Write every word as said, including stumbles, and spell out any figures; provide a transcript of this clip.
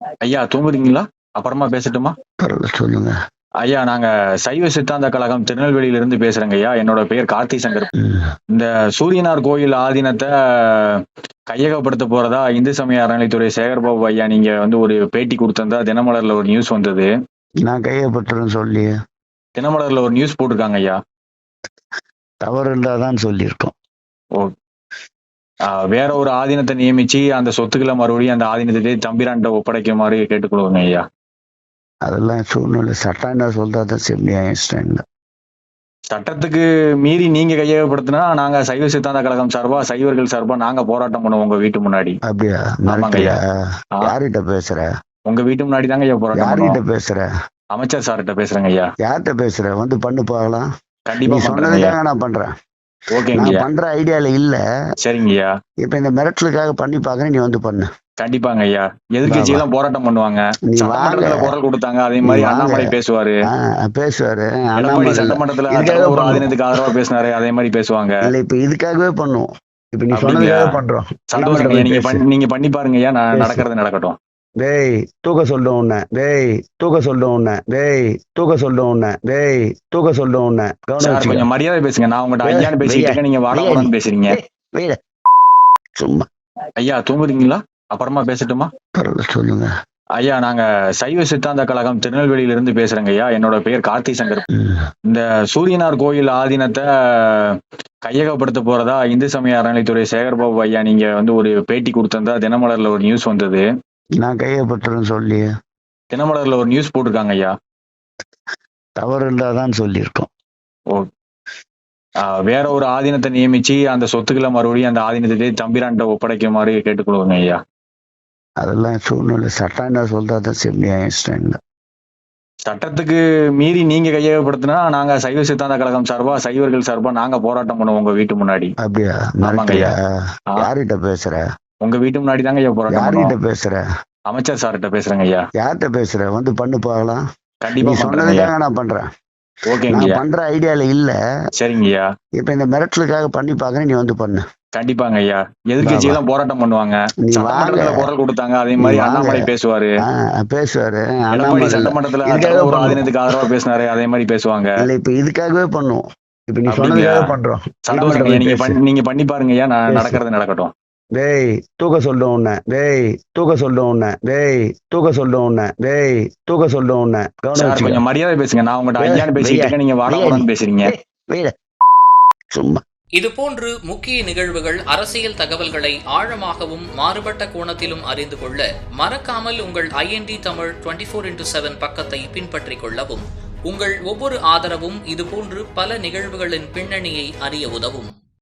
ஐயா தூங்குறீங்களா? அப்புறமா பேசட்டுமா? பரவாயில்ல சொல்லுங்க. ஐயா நாங்க சைவ சித்தாந்த கழகம் திருநெல்வேலியில இருந்து பேசுறேங்க ஐயா. என்னோட பெயர் கார்த்தி சங்கர். ம். இந்த சூரியனார் கோயில் ஆதீனத்தை கையகப்படுத்த போறதா இந்து சமய அறநிலைத்துறை சேகர்பாபு ஐயா நீங்க வந்து ஒரு பேட்டி கொடுத்திருந்தா தினமலர்ல ஒரு நியூஸ் வந்தது. நான் கையப்பட்டுறேன்னு சொல்லி தினமலர்ல ஒரு நியூஸ் போட்டிருக்காங்க ஐயா. தவறு இருந்தாதான் சொல்லியிருக்கோம். ஓ ஆஹ் வேற ஒரு ஆதீனத்தை நியமிச்சு அந்த சொத்துக்களை மறுபடியும் அந்த ஆதீனத்தை தம்பிரான்ட்ட ஒப்படைக்குமாறு கேட்டுக்கொள்வோங்க ஐயா. அதெல்லாம் சூழ்நிலை சட்டம் என்ன சொல்றதான் செம்னியாயிஸ்டாங்க. சட்டத்துக்கு மீறி நீங்க கையகப்படுத்தினா நாங்க சைவ சித்தாந்த கழகம் சார்பா சைவர்கள் சார்பா நாங்க போராட்டம் பண்ணுவோம் உங்க வீட்டு முன்னாடி. அப்படியா? ஆமாங்க ஐயா. மிரட்டலையா? ஆ, யார்கிட்ட பேசுற? உங்க வீட்டு முன்னாடி தாங்க ஐயா போராட்டம் யார்கிட்ட பண்ணுவோம். பேசுற? அமைச்சர் சார்கிட்ட பேசுறேங்க ஐயா. யார்கிட்ட பேசுற? வந்து பண்ணு பார்க்கலாம். கண்டிப்பா நீ பண்றேங்க ஐயா. சொன்னதுக்காக நான் பண்றேன். ஓகேங்க நான் ஐயா. பண்ற ஐடியால இல்ல. சரிங்க ஐயா. இப்ப இந்த மிரட்டலுக்காக பண்ணி பாக்குறேன். நீ வந்து பண்ணு. கண்டிப்பாங்க ஐயா. எதிர்கட்சி எல்லாம் போராட்டம் பண்ணுவாங்க. நீ வாங்க. சட்டமன்றத்துல குரல் கொடுத்தாங்க. அதே மாதிரி நீ வாங்க. அண்ணாமலை பேசுவாரு. ஆ, பேசுவாரு. எடப்பாடி அண்ணாமலை சட்டமன்றத்துல இதுக்காக திருவாரூர் பண்ணுவோம். ஆதீனத்துக்கு ஆதரவா பேசினாரு. அதே மாதிரி பேசுவாங்க. இல்ல இப்ப இதுக்காகவே பண்ணுவோம். இப்ப நீ அப்படிங்களா? சொன்னதுக்காக பண்றோம். சந்தோஷம் அண்ணாமலை ஐயா. நீங்க பேசு. பண்ணி- நீங்க பண்ணி பாருங்க ஐயா. நான் பேசு. நடக்கிறது நடக்கட்டும். டேய் தூக்க சொல்லும் உன்ன. டேய் தூக்க சொல்லும் உன்ன. டேய் தூக்க சொல்லும் உன்ன. டேய் தூக்க சொல்லும் உன்ன. கவனம் சார் வச்சுக்க. கொஞ்சம் மரியாதை பேசுங்க. நான் உங்கள்கிட்ட ஏய், ஐயான்னு பேசிட்டு வெய்யா. இருக்கேன். நீங்க வாடா வெய்யா நீ. போடான்னு பேசுறீங்க. ஏய், வெய்டா. சும்மா ஐயா தூங்குறீங்களா? அப்புறமா பேசட்டுமா? பரவாயில்ல சொல்லுங்க. ஐயா நாங்க சைவ சித்தாந்த கழகம் திருநெல்வேலியில இருந்து பேசுறேங்க ஐயா. என்னோட பெயர் கார்த்தி சங்கர். ம். இந்த சூரியனார் கோயில் ஆதீனத்தை கையகப்படுத்த போறதா இந்து சமய அறநிலைத்துறை சேகர்பாபு ஐயா நீங்க வந்து ஒரு பேட்டி கொடுத்திருந்தா தினமலர்ல ஒரு நியூஸ் வந்தது. நான் கையப்பட்டுறேன்னு சொல்லி தினமலர்ல ஒரு நியூஸ் போட்டிருக்காங்க ஐயா. தவறு இருந்தாதான் சொல்லியிருக்கோம். ஓ ஆஹ் வேற ஒரு ஆதீனத்தை நியமிச்சு அந்த சொத்துக்களை மறுபடியும் அந்த ஆதீனத்தை தம்பிரான்ட்ட ஒப்படைக்குமாறு கேட்டுக்கொள்வோங்க ஐயா. அதெல்லாம் சூழ்நிலை சட்டம் என்ன சொல்றதான் செம்னியாயிஸ்டாங்க. சட்டத்துக்கு மீறி நீங்க கையகப்படுத்தினா நாங்க சைவ சித்தாந்த கழகம் சார்பா சைவர்கள் சார்பா நாங்க போராட்டம் பண்ணுவோம் உங்க வீட்டு முன்னாடி. அப்படியா? ஆமாங்க ஐயா. மிரட்டலையா? ஆ, யார்கிட்ட பேசுற? உங்க வீட்டு முன்னாடி தாங்க ஐயா போராட்டம் யார்கிட்ட பண்ணுவோம். பேசுற? அமைச்சர் சார்கிட்ட பேசுறேங்க ஐயா. யார்கிட்ட பேசுற? வந்து பண்ணு பார்க்கலாம். நீ கண்டிப்பா பண்றேங்க ஐயா. சொன்னதுக்காக நான் பண்றேன். ஓகேங்க நான் ஐயா. பண்ற ஐடியால இல்ல. சரிங்க ஐயா. இப்ப இந்த மிரட்டலுக்காக பண்ணி பாக்குறேன். நீ வந்து பண்ணு. கண்டிப்பாங்க ஐயா. எதிர்கட்சி எல்லாம் போராட்டம் பண்ணுவாங்க. நீ வாங்க. சட்டமன்றத்துல குரல் கொடுத்தாங்க. அதே நீ மாதிரி வாங்க. அண்ணாமலை பேசுவாரு. ஆ, பேசுவாரு. எடப்பாடி அண்ணாமலை சட்டமன்றத்துல இதுக்காக திருவாரூர் பண்ணுவோம். ஆதீனத்துக்கு ஆதரவா பேசினாரு. அதே மாதிரி பேசுவாங்க. இல்ல இப்ப இதுக்காகவே பண்ணுவோம். இப்ப நீ அப்படிங்களா? சொன்னதுக்காக பண்றோம். சந்தோஷம் அண்ணாமலை ஐயா. நீங்க பேசு. பண்ணி- நீங்க பண்ணி பாருங்க ஐயா. நான் பேசு. நடக்கிறது நடக்கட்டும். டேய் தூக்க சொல்லும் உன்ன. டேய் தூக்க சொல்லும் உன்ன. டேய் தூக்க சொல்லும் உன்ன. டேய் தூக்க சொல்லும் உன்ன. கவனம் சார் வச்சுக்க. கொஞ்சம் மரியாதை பேசுங்க. நான் உங்கள்கிட்ட வெய்யா. ஐயான்னு பேசிட்டு வெய்யா. இருக்கேன். நீங்க வாடா வெய்யா நீ. போடான்னு பேசுறீங்க. ஏய், வெய்டா. சும்மா இதுபோன்று முக்கிய நிகழ்வுகள், அரசியல் தகவல்களை ஆழமாகவும் மாறுபட்ட கோணத்திலும் அறிந்து கொள்ள மறக்காமல் உங்கள் INT Tamil twenty four into seven பக்கத்தை பின்பற்றிக் கொள்ளவும். உங்கள் ஒவ்வொரு ஆதரவும் இதுபோன்று பல நிகழ்வுகளின் பின்னணியை அறிய உதவும்.